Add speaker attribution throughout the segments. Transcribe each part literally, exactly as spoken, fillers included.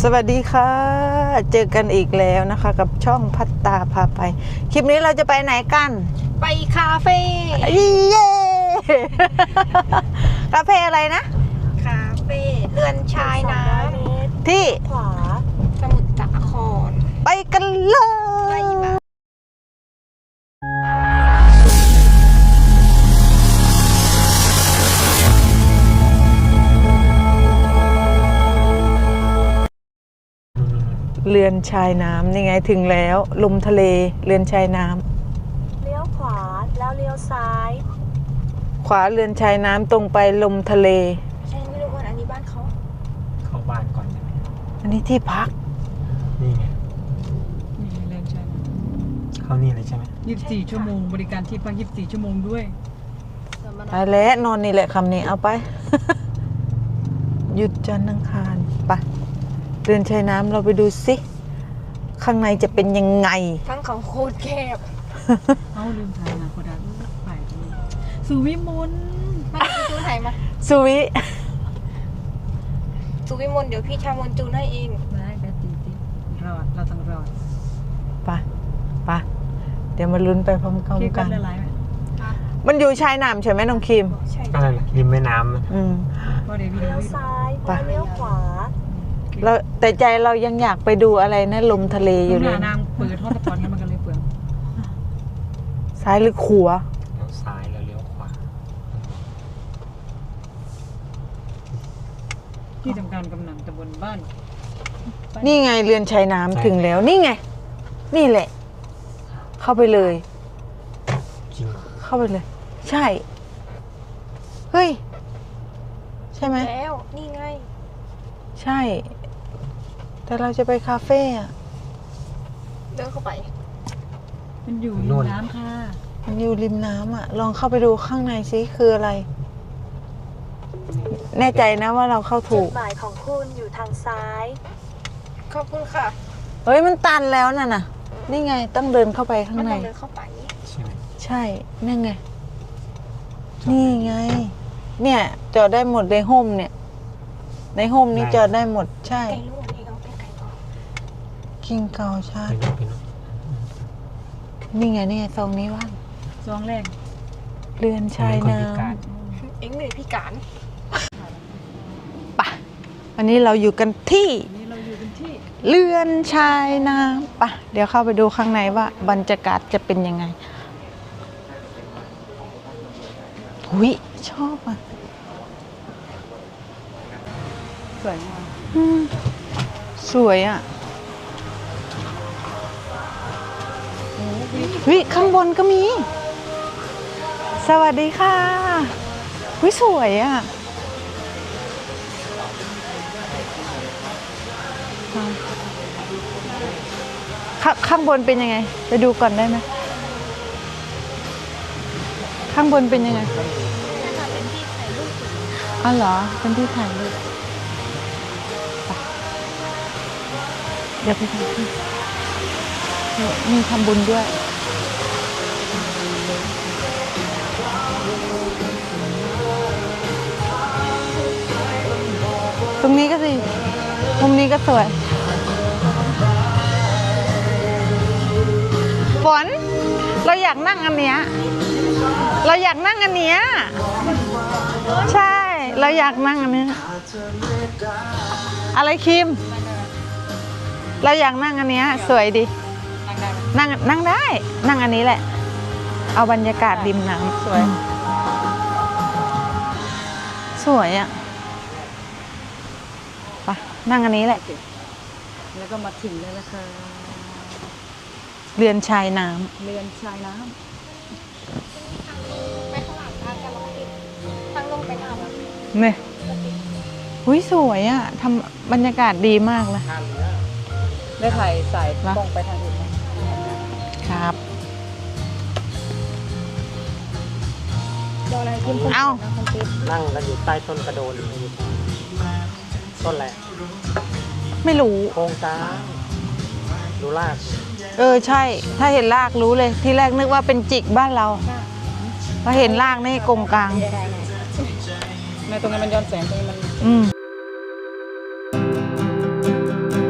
Speaker 1: วัสดีค่ะเจอกันอีกแล้วนะคะกับช่องพัตตาพาไปคลิปนี้เราจะไปไหนกัน
Speaker 2: ไปคาเฟ่
Speaker 1: เย้ คาเฟ่อะไรนะ
Speaker 2: คาเฟ่เรือนชายน้ำ
Speaker 1: ที่
Speaker 2: ขวาสมุทรสาคร
Speaker 1: ไปกันเลยเรือนชายน้ำนี่ไงถึงแล้วลมทะเลเรือนชายน้ำ
Speaker 2: เลี้ยวขวาแล้วเลี้ยวซ้าย
Speaker 1: ขวาเรือนชายน้ำตรงไปลมทะเล
Speaker 2: ใช่ไม่รู้ว่าอันนี้บ้านเขา
Speaker 3: เข้าบ้านก่อนใช่ไหม
Speaker 1: อันนี้ที่พัก
Speaker 3: นี่ไง
Speaker 4: นี่เรือนชายน้
Speaker 3: ำเข้านี่เลยใช่ไหม
Speaker 4: ยี่สิบสี่ชั่วโมงบริการที่พักยี่สิบสี่ชั่วโมงด้วย
Speaker 1: ไปแล้วนอนนี่แหละคำนี้เอาไป หยุดจันทร์อังคารไปเรือนชายน้ำเราไปดูสิข้างในจะเป็นยังไง
Speaker 2: ทั้งเขาโคตรแคบ
Speaker 4: เอาลืมถ่ายนะโคดังไปสุวิมล
Speaker 2: มาดูจูนไหนมา
Speaker 1: สุวิ
Speaker 2: สุวิมลเดี๋ยวพี่ชามนจูนให้เอง
Speaker 4: ได้แบตตีตีรอดเราต้องรอด
Speaker 1: ไปไปเดี๋ยวมาลุ้นไปพร้อมกัน
Speaker 4: คิดกันละลายไหม
Speaker 1: มันอยู่ชายน้ำใช่ไหมน้องคิม
Speaker 2: ใช่
Speaker 3: ก็เลยริมแม่น้ำ
Speaker 1: อืม
Speaker 4: เลี้ยว
Speaker 2: ซ้ายเลี้ยวขวา
Speaker 1: เราแต่ใจเรายังอยากไปดูอะไรนะลมทะเลอยู่เลย
Speaker 4: นางเปิดห้องตะกอนกันมันกันเลยเปลือง
Speaker 1: ซ้ายหรือขวา
Speaker 3: เลี้ยวซ้ายแล้วเลี้ยวขวา
Speaker 4: ที่ทำการกำนันตำบลบ้าน
Speaker 1: นี่ไงเรือนชายน้ำถึงแล้วนี่ไงนี่แหละเข้าไปเลย
Speaker 3: จริง
Speaker 1: เข้าไปเลยใช่เฮ้ยใช่ไหม
Speaker 2: แล้วนี่ไง
Speaker 1: ใช่แต่เราจะไปคาเฟ่อะ
Speaker 2: เดินเข้าไป
Speaker 4: มันอยู่ริมน้ำค่ะ
Speaker 1: มันอยู่ริมน้ำอะลองเข้าไปดูข้างในซิคืออะไรแน่ใจนะว่าเราเข้าถูก
Speaker 2: จุดหมายของคุณอยู่ทางซ้ายขอบคุณค่ะ
Speaker 1: เฮ้ยมันตันแล้วน่ะน่ะนี่ไงต้องเดินเข้าไปข้างใน
Speaker 2: เดินเข้าไป
Speaker 1: ใช่นั่นไงนี่ไงเนี่ยจอดได้หมดในโฮมเนี่ยในโฮมนี้จอดได้หมดใช่กิงเกาชาตินี่ไงนี่ไงซองนี้ว่าง
Speaker 4: ซองแรก
Speaker 1: เรือนชายน้ำ
Speaker 2: เอ็งเลยพี่การ
Speaker 1: ปะวันนี้เราอยู่กันที่เรือนชายน้ำปะเดี๋ยวเข้าไปดูข้างในว่าบรรยากาศจะเป็นยังไงหุยชอบอ่ะ
Speaker 4: สวยมาก
Speaker 1: สวยอ่ะวิข้างบนก็มีสวัสดีค่ะวิสวยอ่ะข้าข้างบนเป็นยังไงไปดูก่อนได้ไหมข้างบนเป็นยังไงอ๋อเหรอเป็นที่ถ่ายรูปเดี๋ยวไปทำที่มีทำบุญด้วยตรงนี้ก็สิมุมนี้ก็สวยฝนเราอยากนั่งอันเนี้ยเราอยากนั่งอันเนี้ยใช่เราอยากนั่งอันนี้อะไรคิมเราอยากนั่งอันเนี้ยสวยดีนั่งนั่งได้นั่งอันนี้แหละเอาบรรยากาศริมน้ำสวยสวยอ่ะไปนั่งอันนี้แหละ
Speaker 4: แล้วก็มาถึงแล้วนะคะ
Speaker 1: เรือนชายน้ำ
Speaker 4: เรือนชายน้ำ
Speaker 2: ไปข้างหลังทางกันแล้วติดทางลงไปน้ำ
Speaker 1: เนี่ยหุ้ยสวยอ่ะทำบรรยากาศดีมากเลย
Speaker 4: ได้ถ่ายสายกล้องไปทางอื่นไหม
Speaker 1: ครับ
Speaker 2: เอา
Speaker 3: นั่งกันอยู่ใต้ต้นกระโดนต้นอะไร
Speaker 1: ไม่รู้
Speaker 3: โครงกลางดูราก
Speaker 1: เออใช่ถ้าเห็นรากรู้เลยที่แรกนึกว่าเป็นจิกบ้านเราพอเห็นรากนี่กงกลาง
Speaker 4: ในตรงนี้มันย้อนแสงตรงนี้มัน
Speaker 1: อืม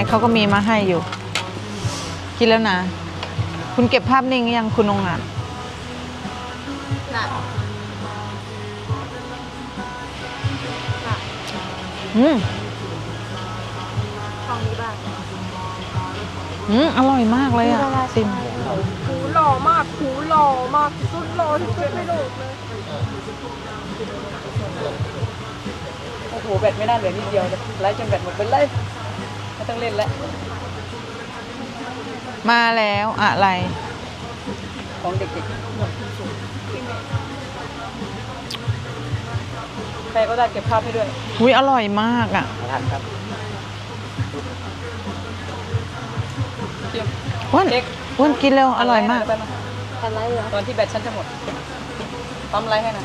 Speaker 1: เขาก็มีมาให้อยู่ กินแล้วนะ คุณเก็บภาพนิ่งยังคุณองอาจ
Speaker 2: น่ะ
Speaker 1: อืม
Speaker 2: ของนี้บ้าง
Speaker 1: อืมอร่อยมากเลยอ่ะซิม
Speaker 2: หูหล่อมากหูหล่อมากสุดหล่อที่สุดในโลกเลย
Speaker 4: โอ้โหแบตไม่น่าเหลือนิดเดียวเลยไล่จนแบตหมดไปเลยไม่ต้องเล่นแล้ว
Speaker 1: มาแล้วอะไร
Speaker 4: ของเด็กๆใครก็ได้เก็บภาพให้ด้วย
Speaker 1: อุ้ยอร่อยมากอ่ะ
Speaker 3: มาทันครับ
Speaker 4: เตรียม
Speaker 1: อ้วน
Speaker 4: เค้ก
Speaker 1: อ้วนกินเร็วอร่อยมาก
Speaker 4: ไปนะ
Speaker 2: อะไรเหรอ
Speaker 4: ตอนที่แบตฉันจะหมดปั๊มไลน์ให้นะ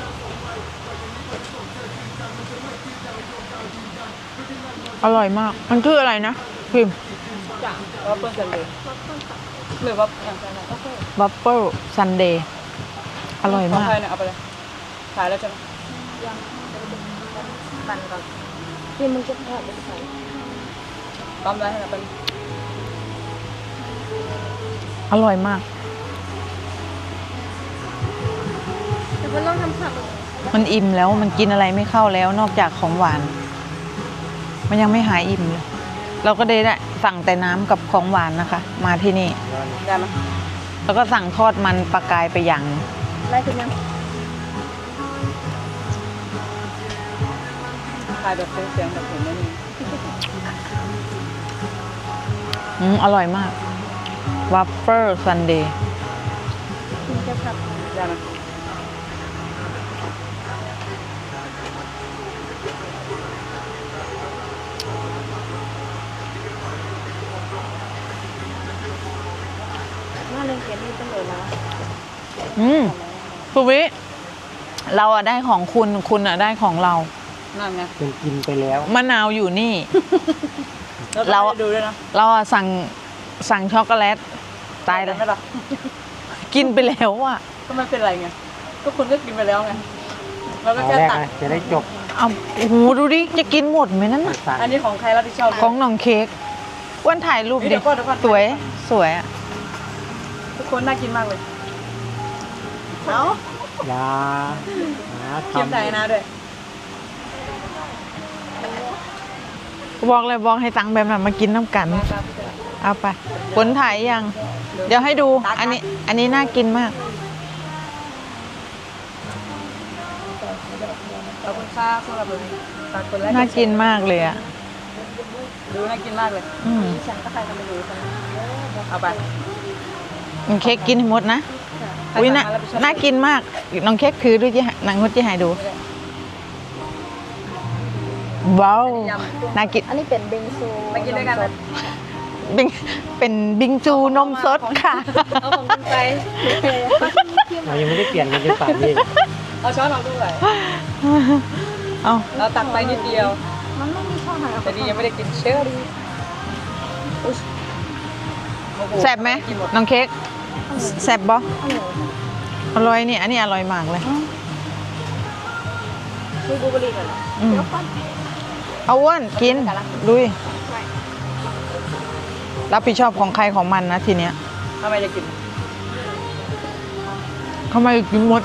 Speaker 1: อร่อยมาก มันคืออะไรนะพิม
Speaker 4: จ้ะว่าเปิ้ลกันเลยหรือว่าอย่างไรโอเค
Speaker 1: บัฟเฟิลซันเดย์อร่อย
Speaker 4: ของ
Speaker 1: มาก
Speaker 4: ใครเนี่ยเอาไปเลยขายแล้วใช่ไหม
Speaker 2: ปั่นก่อนที่มึงจะแพ้เป็นใคร
Speaker 4: ปั๊มไลน์ให้นะเป็น
Speaker 1: อร่อยมาก
Speaker 2: แต่มันต้องทำผัก
Speaker 1: มันอิ่มแล้วมันกินอะไรไม่เข้าแล้วนอกจากของหวาน มันยังไม่หายอิ่มเลย เราก็ได้ได้สั่งแต่น้ำกับของหวานนะคะ มาที่นี่
Speaker 4: ได้ไหม
Speaker 1: แล้วก็สั่งทอดมันปลากายไปอย่าง
Speaker 2: ไล่ขึ้นยัง
Speaker 4: ขายแบบเสียงๆแบบผมไม่มี
Speaker 1: อืมอร่อยมากวัฟเฟิลซันเดย์
Speaker 2: มึงจะผัก
Speaker 4: ได้ไหม
Speaker 2: น่าเล่นเกมนี้จังเลยนะ
Speaker 1: อืมภูวิเราอะได้ของคุณคุณอะได้ของเรา
Speaker 4: นั่นไง
Speaker 3: เป็นกินไปแล้ว
Speaker 1: มะนาวอยู่นี่
Speaker 4: เรา
Speaker 1: เรา
Speaker 4: ดูด้วยนะ
Speaker 1: เราอะสั่งสั่งช็อกโกแลตตายเลย
Speaker 4: ไหมล่ะ
Speaker 1: กินไปแล้วอะ
Speaker 4: ก็ไม่เป็นไรไงก็คุณก็กินไปแล้วไงเราก็
Speaker 3: เอา
Speaker 4: แค่
Speaker 3: แรก
Speaker 4: ตัด
Speaker 3: นะจะได้จบ
Speaker 1: เอาโอ้โหดูดิจะกินหมดไหมนั่นน่ะ
Speaker 3: สั่ง
Speaker 4: อันนี้ของใครรับผิดชอบ
Speaker 1: ของน้องเค้กอ้วนถ่ายรูป
Speaker 4: เฮ้ย
Speaker 1: ดิ
Speaker 4: เดี๋ยวก่อนเดี๋ยวก่อน
Speaker 1: สวยสวยอะ
Speaker 4: ทุกคนน่ากินมากเลยเนาะ
Speaker 3: ยาหา
Speaker 4: เคียม
Speaker 3: ทำ
Speaker 4: ไทยนะด้วย
Speaker 1: บอกเลยบอกให้ตังแบบนั้นมากินน้ำกัน
Speaker 4: มาครับ
Speaker 1: เอาไปผลถ่ายยัง เดี๋ยวให้ดู อันนี้ อันนี้น่ากินมาก
Speaker 4: ขอบคุณค่าสำหรับฝากคนแรก
Speaker 1: น่ากินมากเลยอะ
Speaker 4: ดูน่ากินมากเลย
Speaker 1: อืม
Speaker 4: ฉันก็ใครจะไปดูกันเอาไป
Speaker 1: น้องเค้กกินให้หมดนะอุ้ยน่าน่ากินมากน้องเค้กคือดูจะนางงดจะให้ดูว้าวน่ากิน
Speaker 2: อันนี้เป็นเบงซู
Speaker 4: มากินด้วยกันนะ
Speaker 1: เป็นเป็นบิงซูนมสดค่ะ
Speaker 4: เอาของคุณไป
Speaker 3: เรายังไม่ได้เปลี่ยนกันจนป่านนี้
Speaker 4: เอาช้อนออกด้วย
Speaker 1: เอา
Speaker 4: เราตักไปนิดเดียว
Speaker 2: มันไม่มีช่องไหนเอา
Speaker 4: แต่นี่ยังไม่ได้กินเชื่อดี
Speaker 1: แซ่บไหมน้องเค้กแซ่บบ่
Speaker 2: อันไหน
Speaker 1: อร่อยนี่อันนี้อร่อยมากเลย
Speaker 2: ซื้อบูเบอรี่กัน
Speaker 1: อืมเอาอ้วนกินลุยรับผิดชอบของใครของมันนะทีเนี้ย
Speaker 4: ทำไมจะกิน
Speaker 1: ทำไมกินหมด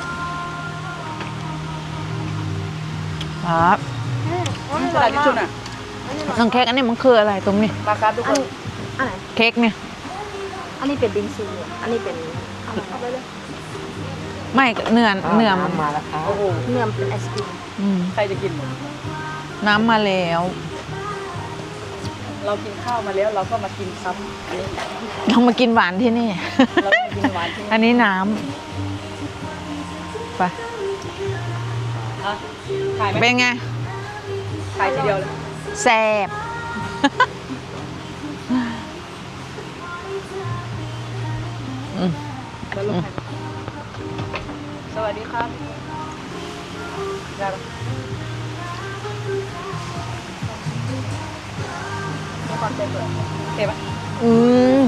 Speaker 1: ครับ
Speaker 4: กระดาษทิชชู่น่ะ
Speaker 1: น้องเค้กอันนี้มันคืออะไรตรงนี้
Speaker 4: ปลาครับทุกคน
Speaker 2: อันไหน
Speaker 1: เค้กเนี่ย
Speaker 2: อันนี้เป็นบิงซูอันนี้เป็นเอาไปเลย
Speaker 1: ไม่เนื้อเนื้อ
Speaker 3: น้ำมาแล้วครับ
Speaker 4: โอ้โห
Speaker 2: เนื้อเป็นไอศกรีม
Speaker 1: อืม
Speaker 4: ใครจะกิน
Speaker 1: น้ำมาแล้ว
Speaker 4: เรากินข้าวมาแล้วเราก็มากินซ้ำอันนี้
Speaker 1: เรามากินหวานที่นี่
Speaker 4: เรามากินหวานที่
Speaker 1: อัน
Speaker 4: นี่
Speaker 1: นี้น้ำไป
Speaker 4: อ่ะขายไหม
Speaker 1: เป็นไง
Speaker 4: ขายทีเดียวเลย
Speaker 1: แซ่บ อืม
Speaker 4: แล้วลงให้สวัสดีครับได้ปะมีความเจ็บเลยโอเคปะ
Speaker 1: อืม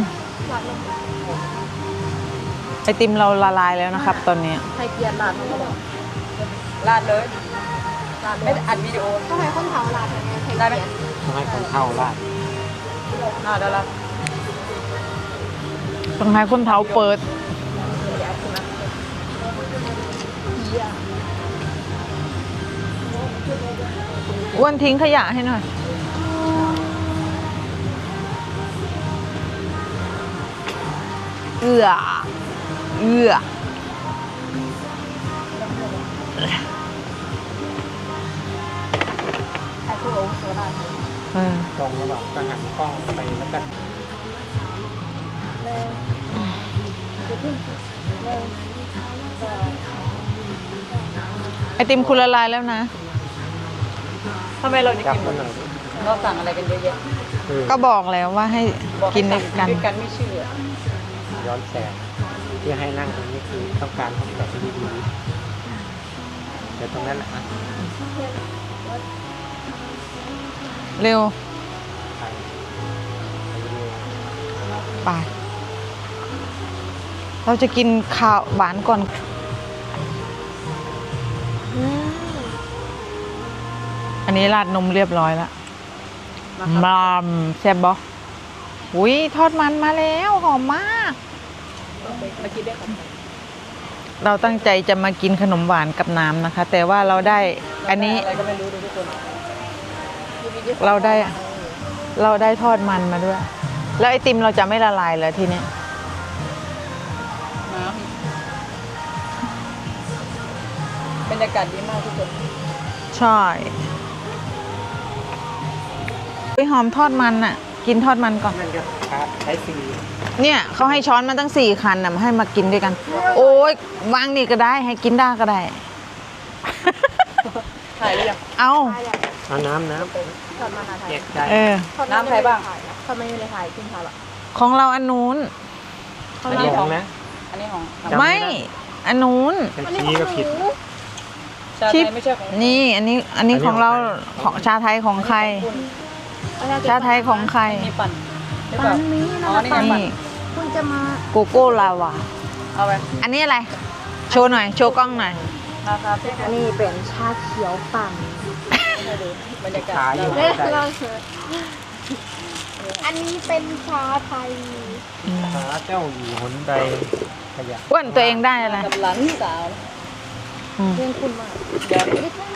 Speaker 1: ไอติมเราละลายแล้วนะครับ ตอนนี้
Speaker 2: ไทยเกียร์ลาดมันก็บอก
Speaker 4: ราดเลย
Speaker 2: ลาด
Speaker 4: ไม่ได้อัดวิดีโอ
Speaker 2: ต้องให้คนเผาลาดยังไงไทย
Speaker 4: ได้ไหม
Speaker 2: เกียร์
Speaker 3: ต้องให้คนเข้าราด
Speaker 2: ล
Speaker 4: อ่าได้ละ
Speaker 1: ต้องให้คนเท้าเปิดอ้วนทิ้งขยะให้หน่อยเอือเอือ
Speaker 4: ไอ้ผู้อาวุโสได้
Speaker 1: เออ
Speaker 3: ตรงระหว่างกระหันกล้องไปแล้วก็
Speaker 1: ไอติมคุณละลายแล้วนะ
Speaker 4: ทำไมเราจะ
Speaker 3: จับ
Speaker 4: กินหม
Speaker 3: มัน
Speaker 4: ด
Speaker 3: หน่อย
Speaker 4: เราสั่งอะไรกันเยอะแยะ
Speaker 3: เออ
Speaker 1: ก็บอกแล้วว่าให้
Speaker 4: บอก
Speaker 1: กินด้วยกัน
Speaker 4: ด้วยกันไม่เชื่อ
Speaker 3: ย้อนแสงที่ให้นั่งตรงนี้คือต้องการให้แบบดีๆเดี๋ยวตรงนั้นแหละอ่ะ
Speaker 1: เร็ว
Speaker 3: ไปไปเรื่อย
Speaker 1: ไป เราจะกินข้าวหวานก่อน อันนี้ราดนมเรียบร้อยแล้ว
Speaker 4: มาครับ
Speaker 1: มามแซ่บบ่อุ้ยทอดมันมาแล้วหอมมาก
Speaker 4: มากินได้ครับ
Speaker 1: เราตั้งใจจะมากินขนมหวานกับน้ำนะคะ แต่ว่าเราได้อันนี้
Speaker 4: อะไรก็ไม่รู้ดูทุกคน
Speaker 1: เราได้ เราได้ทอดมันมาด้วย แล้วไอติมเราจะไม่ละลายเลยทีเนี้ย
Speaker 4: น้ำบรรยากาศดีมากทุกคน
Speaker 1: ใช่ไปหอมทอดมันอ่ะ กินทอดมันก่อน
Speaker 3: ๆนั่นก็ครับใช้สี
Speaker 1: เนี่ยเขาให้ช้อนมาตั้งสี่คันนะมาให้มากินด้วยกัน โอ้ยวางนี่ก็ได้ให้กินได้ก็ได้
Speaker 4: ถ่ายหรือยัง
Speaker 1: เอา
Speaker 3: เอาน้ำน้ำ
Speaker 2: ทอดมันอะไทย
Speaker 3: เก็บใจ
Speaker 1: เออ
Speaker 4: น้ำใครบ้าง
Speaker 2: ทำไมไม่ได้ถ่ายกินถ่ายหรอ
Speaker 1: ของเราอันนู้น
Speaker 4: อันนี้ของ
Speaker 3: นะ
Speaker 4: อันนี้ของ
Speaker 3: จำไม่
Speaker 1: ไม่
Speaker 3: ได้
Speaker 1: อันนู้น
Speaker 3: เป็นชี้ก็ผิด
Speaker 4: ชาไท
Speaker 1: ชิป
Speaker 4: ยไม่ใช่ของ
Speaker 1: นี่ อันนี้ อันนี้
Speaker 3: อันนี้
Speaker 1: ของเรา
Speaker 3: ของใคร
Speaker 1: ของชาไทยของใคร ชาไทยของใคร
Speaker 4: มีปั่นหรือเป
Speaker 2: ปั
Speaker 4: ล่าน
Speaker 2: นี้
Speaker 4: อ๋
Speaker 2: นะ
Speaker 4: อนี่ไง
Speaker 2: ปัน
Speaker 4: ปั่น
Speaker 1: นี่
Speaker 2: คุณจะมา
Speaker 1: โกโก้ลาวา
Speaker 4: เอาไป
Speaker 1: อันนี้อะไร โชว์หน่อย โชว์กล้องหน่อย
Speaker 4: ราคาเท่าไห
Speaker 2: อั
Speaker 4: ร่
Speaker 2: นนี้เป็นชาเขียวปั่น
Speaker 4: ให้ดูบรรยากาศ
Speaker 3: ขายอยู่
Speaker 2: เอ๊ะเราเถอะอันนี้เป็นชาไทย
Speaker 3: หาเจ้าอยู่หนใดขยะ
Speaker 1: อ้วนตัวเองได้อะไร
Speaker 4: กับหลานสาว
Speaker 1: อืม
Speaker 2: เพื่อนคุณมาก
Speaker 4: เดี๋ยว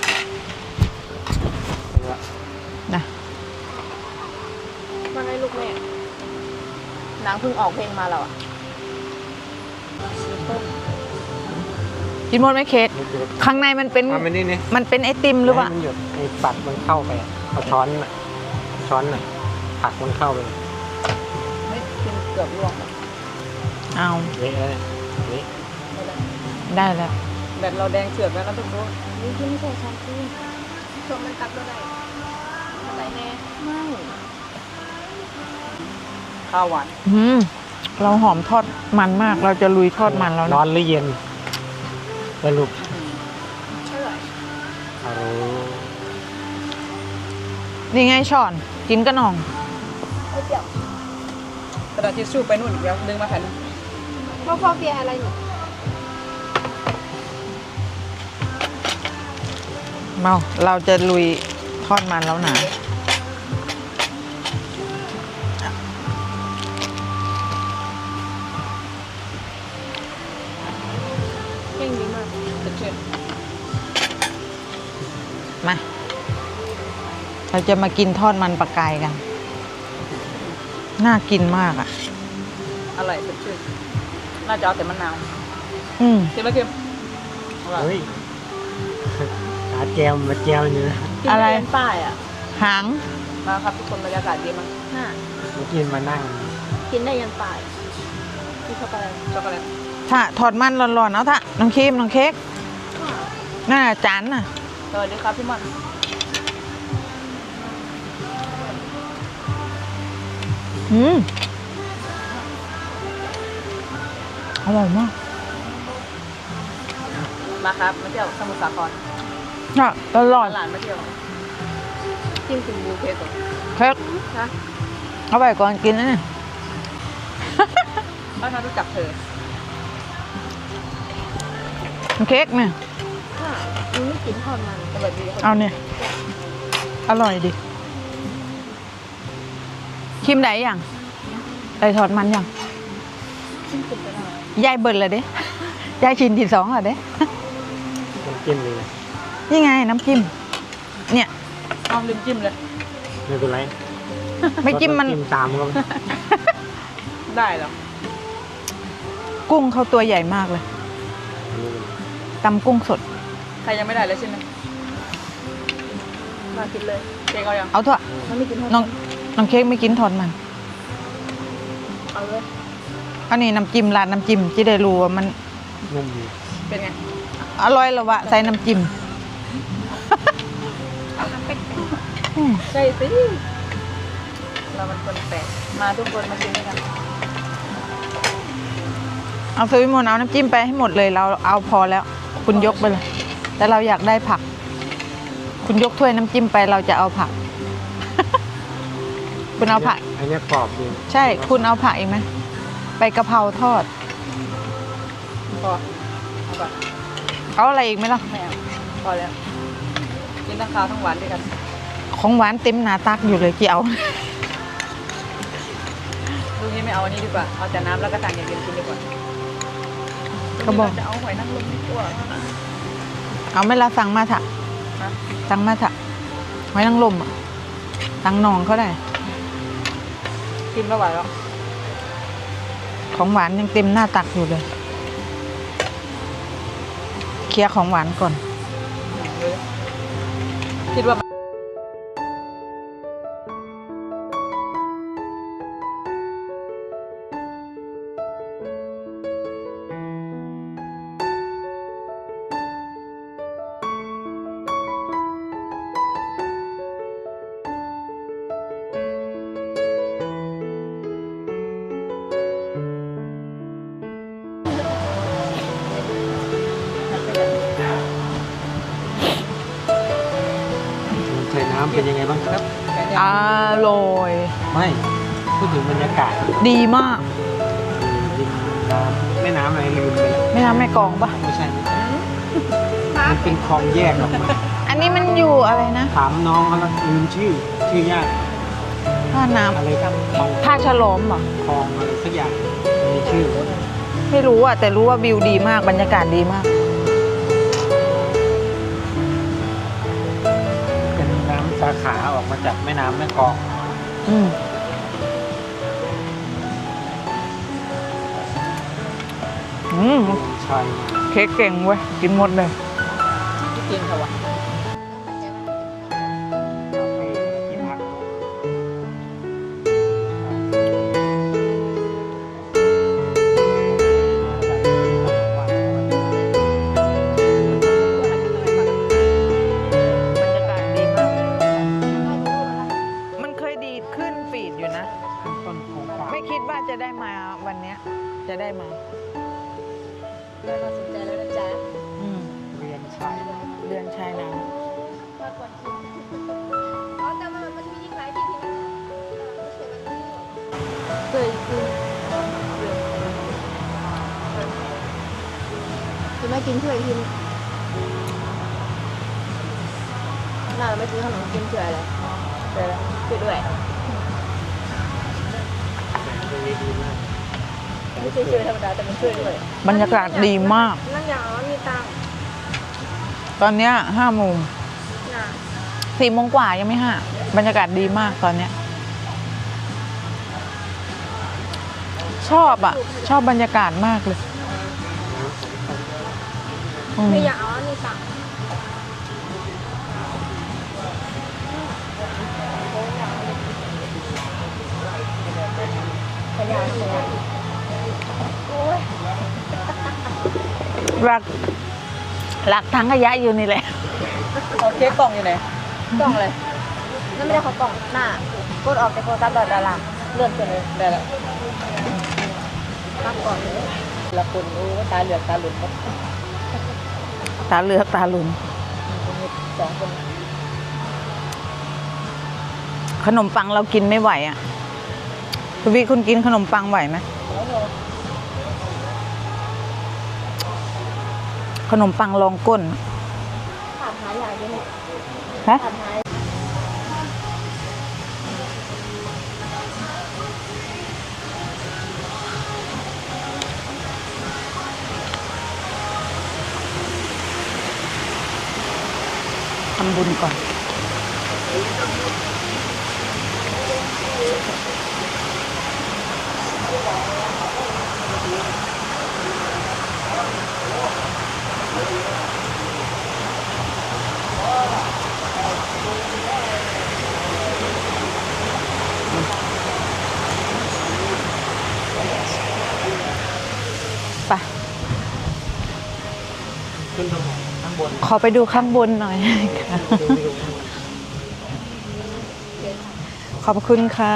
Speaker 1: นะ
Speaker 2: มาให้ลูกแม่นางเพิ่งออกเพลงมาแล้วอ่ะ
Speaker 1: กินหมดไหมเค้ก
Speaker 3: หยุด
Speaker 1: ข้างในมันเป็น
Speaker 3: ๆทำมันนี่นี่
Speaker 1: มันเป็นไอติมหรือเปล่า
Speaker 3: ให้มันหยุดไอ้ปัดมันเข้าไปอะเอาช้อนน่ะช้อนน่ะผักมันเข้าไป
Speaker 4: ไม่กินเกือบร่วง
Speaker 1: เอา
Speaker 3: เละเลยนี่
Speaker 1: ได้แล้ว
Speaker 4: แบตเราแดงเฉือกแล้วนะทุกคน
Speaker 2: นี่ที่ไม่ใช่ชาเขียวชมมันตักเท่าไหร่อะไรแน่ไม่
Speaker 4: ข้าวหวาน
Speaker 1: อืมเราหอมทอดมันมาก เราจะลุยทอดมันแล้ว
Speaker 3: ร้อ
Speaker 1: นะ
Speaker 3: นหรือเย็นสรุป
Speaker 2: เท่าไหร่
Speaker 3: เอา
Speaker 1: นี่ไงช้อน กินกระหน่อง
Speaker 2: ไม่เปรี้ยว
Speaker 4: กระดาษทิชชู่ไปนู่นอีกแล้วดึงมาแผ่นนึง
Speaker 2: พ่อพ่อเฟียอะไรอยู่
Speaker 1: เมา เราจะลุยทอดมันแล้วนะ
Speaker 2: เก่งดีมาก
Speaker 4: สดชื่น
Speaker 1: มา เราจะมากินทอดมันปลากายกัน น่ากินมากอ่ะ
Speaker 4: อร่อยสดชื่นน่าจะเอาแต่มะนาว
Speaker 1: อืม
Speaker 4: เค็มไหมเค็มอร่อย
Speaker 3: เฮ้ยหาแจมมาแจมอยู่นะ
Speaker 2: กิน
Speaker 1: อะไร
Speaker 2: เรียนป้ายอ่ะ
Speaker 1: หาง
Speaker 4: มาครับทุกคนบรรยากาศดีมาก
Speaker 2: น่ะ
Speaker 3: เมื่อกี้มานั่ง
Speaker 2: กินได้ยันป้ายกินเข้าไป
Speaker 4: ช็อกโกแลต
Speaker 1: ถ้าทอดมันร้อนๆเอาถ้าน้องครีมน้องเค้กน่าจานน่ะ
Speaker 4: สวัสดีครับพี่มัน
Speaker 1: อืมอร่อยมาก
Speaker 4: มาครับมาเที่ยวสมุทรสาคร
Speaker 1: น่ะอร่อย
Speaker 4: ตลาดมาเที่ยว
Speaker 2: กินถึง
Speaker 4: บูเคสด
Speaker 1: เค้ก
Speaker 2: นะ
Speaker 1: เอาไปก่อนกินนะเนี่ย
Speaker 4: ถ้าเรารู้จักเธอ
Speaker 1: น้องเค้กเนี่ย
Speaker 2: ค่ะมันไม่กินทอดมัน
Speaker 4: สวัสดีครับ
Speaker 1: เอาเนี่ย อร่อยดิ
Speaker 2: ม
Speaker 1: ชิมได้ยังได้ทอดมันยังยายเบิร์นเลยเด้ ยายชินที่สองเหรอเด้
Speaker 3: น้ำจิ้มเลย
Speaker 1: นี่ไงน้ำจิ้ม เนี่ย
Speaker 4: เอาลืมจิ้มเลย
Speaker 3: ไม่เป็นไร
Speaker 1: ไม่จิ้มมัน
Speaker 3: จิ้มตามก็
Speaker 4: ได้เหรอ
Speaker 1: กุ้งเขาตัวใหญ่มากเลยตำกุ้งสด
Speaker 4: ใครยังไม่ได้เลยใช่ไหมมากินเลยเค้กเอายัง
Speaker 1: เอาเถอะ
Speaker 2: มันไม่กิน
Speaker 1: น้องน้องเค้กไม่กินทอดมัน
Speaker 2: เอาเลย
Speaker 1: อันนี้น้ำจิ้มร้านน้ำจิ้มจะได้รู้ว่ามัน
Speaker 3: นุ่มดี
Speaker 4: เป็นไง
Speaker 1: อร่อยหรอวะใส่น้ำจิ้ม อืม
Speaker 4: ใช่สิเรามันคนแปลกมาทุกคนมากินด้วยกัน
Speaker 1: เอาซุยมนเอาน้ำจิ้มไปให้หมดเลยเราเอาพอแล้ว คุณยกไปเลย แต่เราอยากได้ผัก คุณยกถ้วยน้ำจิ้มไปเราจะเอาผัก คุณเอาผัก
Speaker 3: อันนี้กรอบดี
Speaker 1: ใช่ คุณเอาผักอีกไหมไปกะเพราทอด
Speaker 4: พอเอาก่อน
Speaker 1: เอาอะไรอีกไหมล่ะ
Speaker 4: ไม่เอาพอแล้วกินทั้งข้าวทั้งหวานด้วยกัน
Speaker 1: ของหวานเต็มหนาตักอยู่เลยกี่เอา
Speaker 4: ลูกนี้ไม่เอาอันนี้ดีกว่าเอาแต่น้ำแล้วก็ต่างอย่างเดียวกินดีกว่า
Speaker 1: ก็บอก
Speaker 4: จะเอาหอยนางรมดีกว่า
Speaker 1: เอาไหม่ละสั่งมาเถอะ
Speaker 4: ฮะ
Speaker 1: สั่งมาเถอะไว้นั่งลมอ่ะสั่งนองเขาได้
Speaker 4: กินไม่ไหวแล้ว
Speaker 1: ของหวานยังเต็มหน้าตักอยู่เลย เคลียร์ของหวานก่อน
Speaker 4: คิดว่า
Speaker 3: ใส่น้ำเป็นยังไงบ้างครับ
Speaker 1: อร่อย
Speaker 3: ไม่พูดถึงบรรยากาศ
Speaker 1: ดีมาก
Speaker 3: ริมน้ำแม่น้ำอะไรลืมไปแล้ว
Speaker 1: ไม่น้ำไม่กองปะ
Speaker 3: ไม่ใช่มันเป็นคลองแยกออกมา
Speaker 1: อันนี้มันอยู่อะไรนะ
Speaker 3: ถามน้องเขาแล้วลืมชื่อ ชื่อยาก
Speaker 1: ท่าน้
Speaker 3: อะไรครับคลอง
Speaker 1: ำท่าฉลอมเหรอ
Speaker 3: คลองอะไรสักอย่างมีชื่อ
Speaker 1: ไม่รู้อ่ะ แต่รู้ว่าวิวดีมากบรรยากาศดีมาก
Speaker 3: เป็นน้ำสาขาออกมาจากแม่น้ำแม่กลอง
Speaker 1: อืมอืม
Speaker 3: ใช่
Speaker 1: เค้กเก่งเว้ย กินหมดเลย
Speaker 4: กินค่ะวะ
Speaker 3: ที่พัก
Speaker 1: บรรยากาศดีมาก มันเคยดีดขึ้นฟีดอยู่นะ
Speaker 3: ต้นโครงการ
Speaker 1: ไม่คิดว่าจะได้มาวันเนี้ย จะได้มา
Speaker 2: ได้มาสนใจแล้วนะจ๊ะ
Speaker 1: อืม
Speaker 3: เรียนชาย
Speaker 1: เดือนชายน้
Speaker 2: มาก่อนกินอ๋อแต่มันมันมีอีกหลายที่ที่มันไม่ใช่มันนี่เคยกินคือไม่กินเฉยกินน่าไม่กินขนมกินเฉยเลยเฉยช่วยด้วย
Speaker 3: ดีมาก
Speaker 4: ไม่ใช่ช่วยธรรมดาแต่มันช่วยด้วย
Speaker 1: ำบรรยากาศดีมาก
Speaker 2: นั่นอย่างว่ามีตังค์
Speaker 1: ตอนเนี้ยห้าโมง
Speaker 2: น่ะ
Speaker 1: สี่โมงกว่ายังไม่ห้า บรรยากาศดีมากตอนเนี้ย ชอบอ่ะ ชอบบรรยากาศมากเลยอืม
Speaker 2: ไม่อยากเอาอันนี้ตังค์ขยันขยันโอ้ย
Speaker 1: หลักหลักทั้งขยะอยู่นี่แหละ
Speaker 4: เอาเค้กกล่องอยู่ไหน
Speaker 2: กล่องเลยนั่นไม่ได้เขากล่องหน้ากดออกจากโทรศัพท์ดาราเลื่อนขึ้นเลย
Speaker 4: ได้แล้ว
Speaker 2: ตั้งก่อนเลย
Speaker 4: ละคนโอ้ตาเหลือกตาหลุดครับ
Speaker 1: ตาเหลือกตาหลุน
Speaker 4: สองคน
Speaker 1: ขนมปังเรากินไม่ไหวอ่ะคุณพี่คุณกินขนมปังไหวไหม
Speaker 4: แล้วเรา
Speaker 1: ขนมปังรองก้น
Speaker 2: ถามหาอย่างนี้
Speaker 1: ฮะ
Speaker 2: ถามหา
Speaker 1: ำบุญก่อน ไป
Speaker 3: ขึ้นตรงข้างบน
Speaker 1: ขอไปดูข้างบนหน่อยค่ะ ขอบคุณค่ะ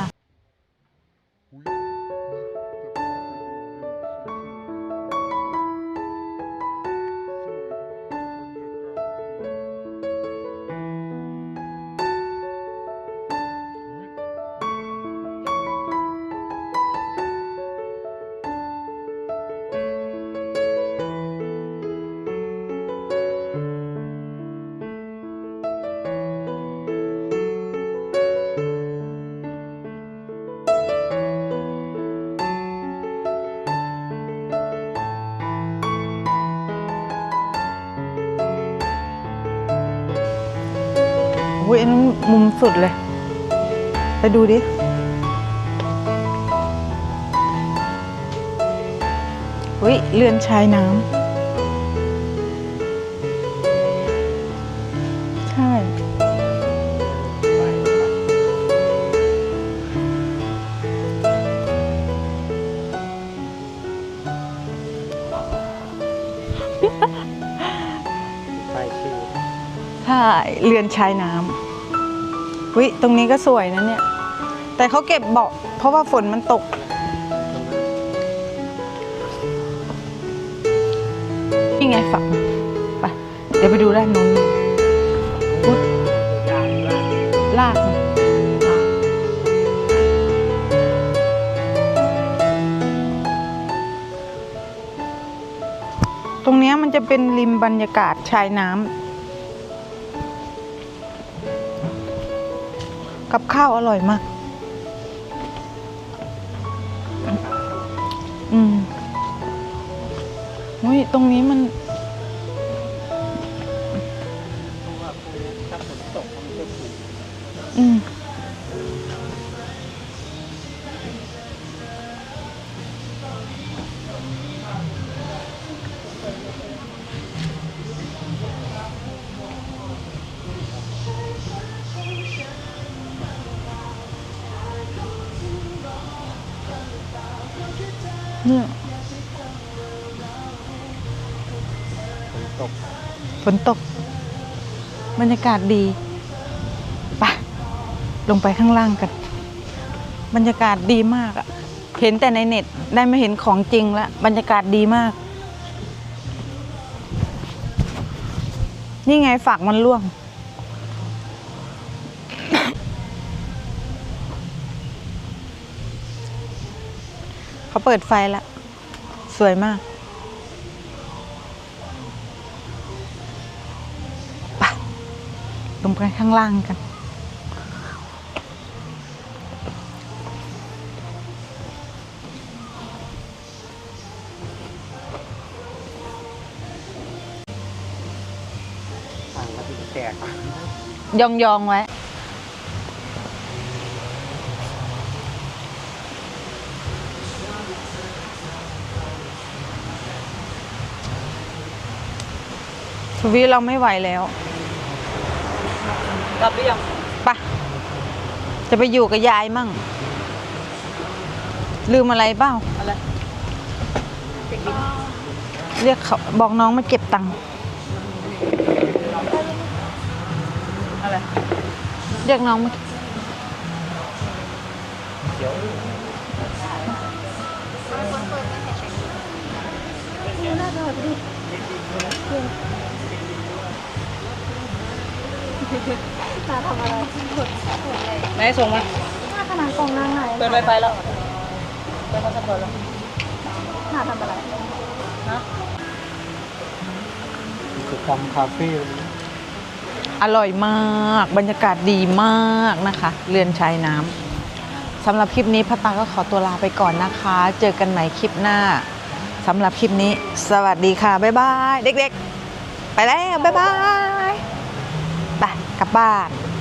Speaker 1: อุ้ยอันนั้นมุมสุดเลย ไปดูดิ อุ้ยเรือนชายน้ำ ใช่
Speaker 3: ป้ายชื่อ
Speaker 1: ใช่ เรือนชายน้ำวิตรงนี้ก็สวยนะเนี่ย แต่เขาเก็บเบาะเพราะว่าฝนมันตก นี่ไงฝักไปเดี๋ยวไปดูด้านนู้นอุ๊ย
Speaker 3: ยางล่าง
Speaker 1: ลากมาตรงเนี้ยมันจะเป็นริมบรรยากาศชายน้ำกับข้าวอร่อยมาก อืมอุ้ยตรงนี้มัน
Speaker 3: เพราะว่าพวกนี้ถ้าฝนตกมันจะถูก
Speaker 1: อืมเนี่ย
Speaker 3: ฝนตก
Speaker 1: ฝนตก บรรยากาศดีไปลงไปข้างล่างกัน บรรยากาศดีมากอะเห็นแต่ในเน็ตได้มาเห็นของจริงแล้วบรรยากาศดีมาก นี่ไงฝากมันร่วง เขาเปิดไฟแล้ว สวยมากไปลงไปข้างล่างกัน
Speaker 3: ทางมันจะแตก
Speaker 1: ยองยองๆไว้ ทวีเราไม่ไหวแล้ว
Speaker 4: กลับหรือยัง
Speaker 1: ปะจะไปอยู่กับยายมั่ง ลืมอะไรเปล่า
Speaker 4: อะไรเด็กดิ้ง
Speaker 1: เรียกเขาบอกน้องมาเก็บตังค์
Speaker 4: อะไร
Speaker 1: เรียกน้องมา
Speaker 3: เดี๋ยว
Speaker 2: ตาทำอะไรกดกดเลย
Speaker 4: ไหนส่งมา
Speaker 2: หน้าขนาดกล่องนางไหน
Speaker 4: เปิดไวไฟแล้วเปิดพาสปอร์ตแล้ว
Speaker 2: หน้าทำอะไร
Speaker 4: นะ
Speaker 3: กิจกรรมคาเฟ่
Speaker 1: อร่อยมาก บรรยากาศดีมากนะคะ เรือนชายน้ำสำหรับคลิปนี้พัตตาก็ขอตัวลาไปก่อนนะคะ เจอกันใหม่คลิปหน้าสำหรับคลิปนี้ สวัสดีค่ะ บ๊ายบาย เด็กๆ ไปแล้ว บ๊ายบายไปกลับบ้าน